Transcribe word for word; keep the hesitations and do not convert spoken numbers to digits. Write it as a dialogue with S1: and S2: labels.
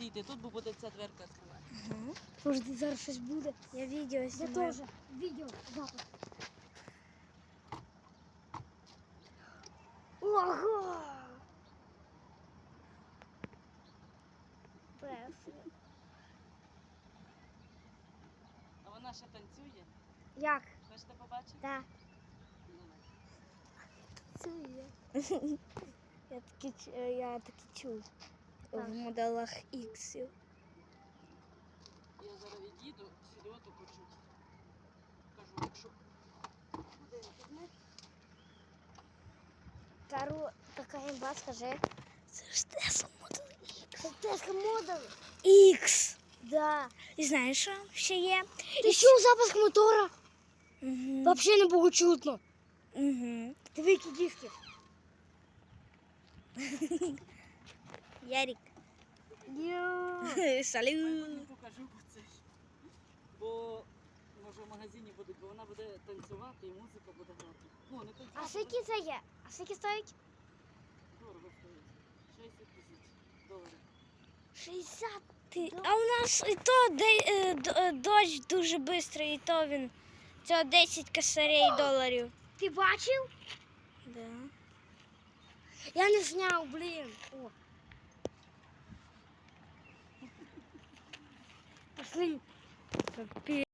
S1: йти тут, бо буде ця дверка відкривати.
S2: Угу. Може, тут зараз щось буде. Я відео
S3: Я
S2: знімаю.
S3: теж. Відео. Запис. Ого! Пресно.
S1: А вона ще танцює.
S3: Як?
S1: Хочете побачити?
S3: Так.
S1: Ну,
S2: Я таки, ч- е, я таки чув
S3: Так.
S2: в моделах іксів.
S1: я зараз від'їду, сюди ото почуть. Кажу, якщо буде інтернет.
S3: Кару, така імба, скажи.
S2: Це ж Tesla Model
S3: Це теска модуль.
S2: X.
S3: Да.
S2: І знаєш, що ще є?
S3: Ти чув запуск мотора?
S2: Угу.
S3: Вообще не було чутно.
S2: Угу.
S3: Диви, які диски.
S2: Ярик.
S3: Йо.
S2: Салют.
S1: Не покажу, бо це ж. Бо може в магазині буде, бо вона буде танцювати і музика буде грати. Ну, не танцювати.
S3: А скільки це є? А скільки стоїть?
S1: Дорого стоїть. шістдесят тисяч доларів.
S3: шістдесят.
S2: Ти- А у нас і то де, е, д- е, дощ дуже швидкий, і то він. Це десять косарей доларів.
S3: Ти бачив?
S2: Да.
S3: Я не зняв, блін. О. Пошли.
S2: Капець.